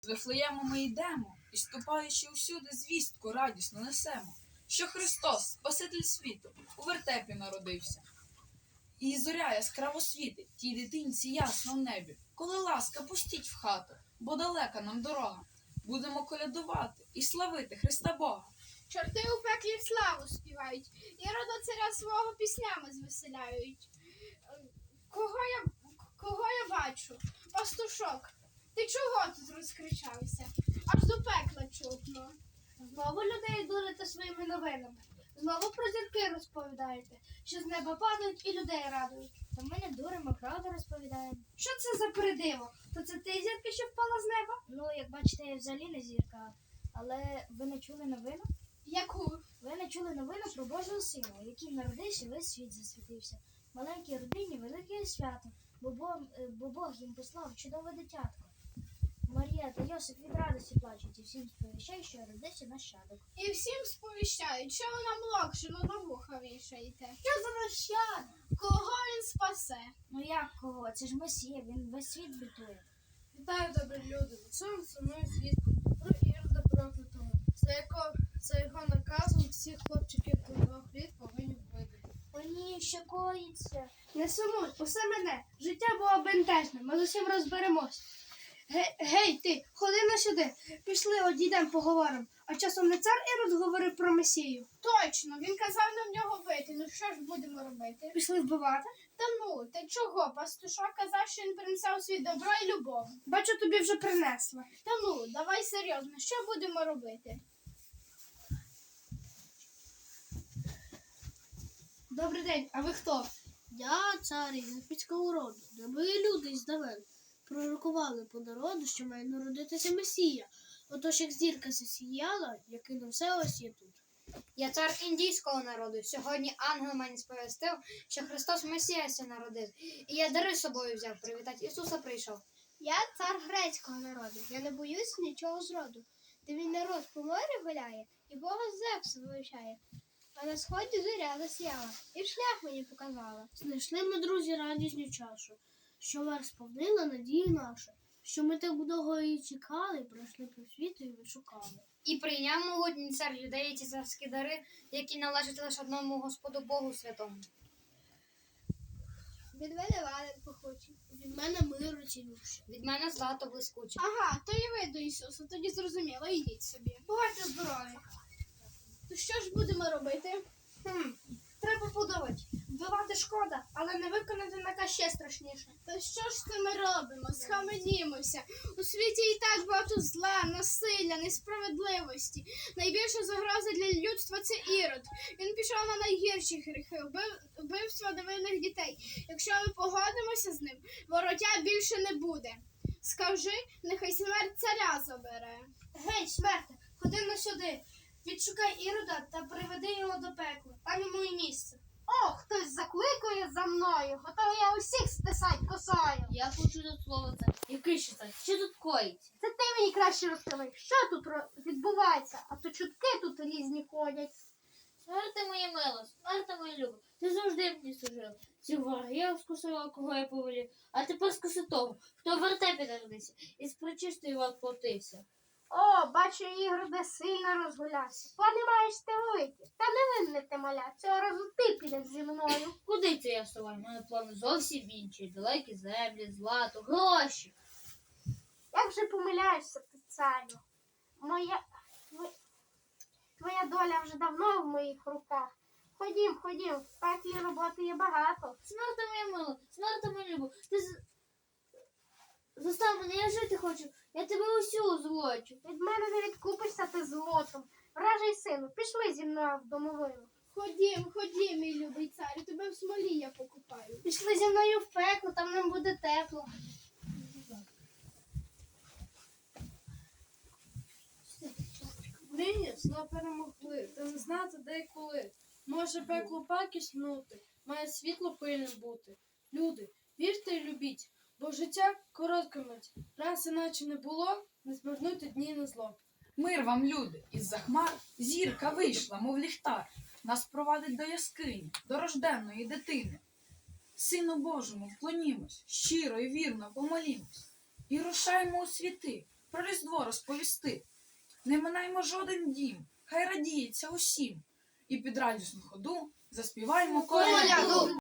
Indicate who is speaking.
Speaker 1: З Вифлеєму ми йдемо, і, ступаючи усюди, звістку радісно несемо, що Христос, Спаситель світу, у вертепі народився. І зоря яскраво світить тій дитинці ясно в небі. Коли ласка, пустіть в хату, бо далека нам дорога. Будемо колядувати і славити Христа Бога.
Speaker 2: Чорти у пеклі славу співають, Ірода царя свого піснями звеселяють. Кого я бачу? Пастушок, ти чого тут розкричався? Аж до пекла чутно.
Speaker 3: Знову людей дурите своїми новинами. Знову про зірки розповідаєте, що з неба падають і людей радують. Та ми не дуримо, правду розповідаємо. Що це за передиво? То це ти зірка, що впала з неба? Ну, як бачите, я взагалі не зірка. Але ви не чули новину?
Speaker 2: Яку?
Speaker 3: Ви не чули новину про Божого Сина, який народився, весь світ засвітився. Маленькій родині велике свято, бо Бог їм послав чудове дитятко. Марія та Йосип від радості плачуть і всім сповіщають, що родився нащадок.
Speaker 2: І всім сповіщають, що ви нам локшину на вуха вішаєте.
Speaker 3: Що за нащадок?
Speaker 2: Кого він спасе?
Speaker 3: Ну як кого? Це ж Месія, він весь світ бітує.
Speaker 4: Вітаю, добрі люди, на цьому сумною звістку про Ірода проклятого. За його наказом всіх хлопчиків до 2 літ повинні вбити.
Speaker 3: О ні, що коїться?
Speaker 4: Не сумуй, усе мене. Життя було бентежне, ми з усім розберемось. Гей, ти, ходи на сюди. Пішли, одійдемо, поговоримо. А часом не цар Ірод говорив про Месію?
Speaker 2: Точно, він казав нам нього бити. Ну що ж будемо робити?
Speaker 4: Пішли вбивати?
Speaker 2: Та ну, ти чого? Пастушок казав, що він принесе у світ добро і любов.
Speaker 4: Бачу, тобі вже принесла.
Speaker 2: Та ну, давай серйозно, що будемо робити?
Speaker 4: Добрий день, а ви хто?
Speaker 5: Я цар єгипетського роду, де ви люди здавен пророкували по народу, що має народитися Месія. Отож, як зірка засіяла, як і на все ось є тут.
Speaker 6: Я цар індійського народу. Сьогодні ангел мені сповістив, що Христос Месіяся народив. І я дари з собою взяв, привітати Ісуса прийшов.
Speaker 3: Я цар грецького народу. Я не боюсь нічого зроду. Де він народ по морі гуляє, і Бога Зевса вивчає. А на сході зоря засіяла, і шлях мені показала.
Speaker 5: Знайшли ми, друзі, радісну чашу, що вас сповнила надію нашу, що ми так довго її чекали, пройшли по світу і вишукали.
Speaker 6: І прийняв могутній цар юдеї ті царські дари, які належать лише одному Господу Богу святому.
Speaker 2: Від мене ладен похоче.
Speaker 5: Від мене миру цілющий.
Speaker 6: Від мене злато блискуче.
Speaker 2: Ага, то і ви до Ісуса, тоді зрозуміло, ідіть собі.
Speaker 4: Бувайте здорові.
Speaker 2: То що ж будемо робити?
Speaker 4: Треба подумати. Вбивати шкода, але не виконати наказ ще страшніше.
Speaker 2: Та що ж це ми робимо? Схаменімося. У світі і так багато зла, насилля, несправедливості. Найбільша загроза для людства – це Ірод. Він пішов на найгірші гріхи, вбивство невинних дітей. Якщо ми погодимося з ним, вороття більше не буде. Скажи, нехай смерть царя забере.
Speaker 4: Гей, смерте, ходи на сюди. Відшукай Ірода та приведи його до пекла. Там йому і місце.
Speaker 3: О, хтось закликає за мною, готова я усіх стисать косою.
Speaker 5: Я хочу тут слово це. Який ще це? Що тут коїться?
Speaker 3: Це ти мені краще розкривай, що тут відбувається, а то чутки тут різні ходять.
Speaker 5: Смерти моя мила, смерти моя люба, ти завжди мені служила. Цих ворогів скусила, кого я повелів, а тепер скуси того, хто в вертепі народився і з причистою платився.
Speaker 3: О, бачу, Ігроде сильно розгулявся. Плани маєш ти великі, та не винне ти маля, цього разу ти підеш зі мною.
Speaker 5: Куди це я вставаю? У мене плани зовсім інші. Далекі землі, злато, гроші.
Speaker 3: Як же помиляєшся ти, царю? Твоя доля вже давно в моїх руках. Ходім, в пеклі роботи є багато.
Speaker 5: Смерти моя мила, смерти моя люба, ти застав мене, я жити хочу, я тебе усю злочу.
Speaker 3: Від мене не відкупишся ти злотом. Вражий сину, пішли зі мною в домовину.
Speaker 2: Ходім, мій любий царю, тебе в смолі я покупаю.
Speaker 3: Пішли зі мною в пекло, там нам буде тепло.
Speaker 4: Нині зло перемогли, та не знати де й коли. Може пекло паки снути, має світло пильним бути. Люди, вірте й любіть, бо життя коротка мить. Раз іначе не було, не звернути дні на зло.
Speaker 1: Мир вам, люди, із-за хмар зірка вийшла, мов ліхтар. Нас провадить до яскині, до рожденної дитини. Сину Божому вклонімось, щиро і вірно помолімось. І рушаймо у світи, про Різдво розповісти. Не минаймо жоден дім, хай радіється усім. І під радісну ходу заспіваємо коляду.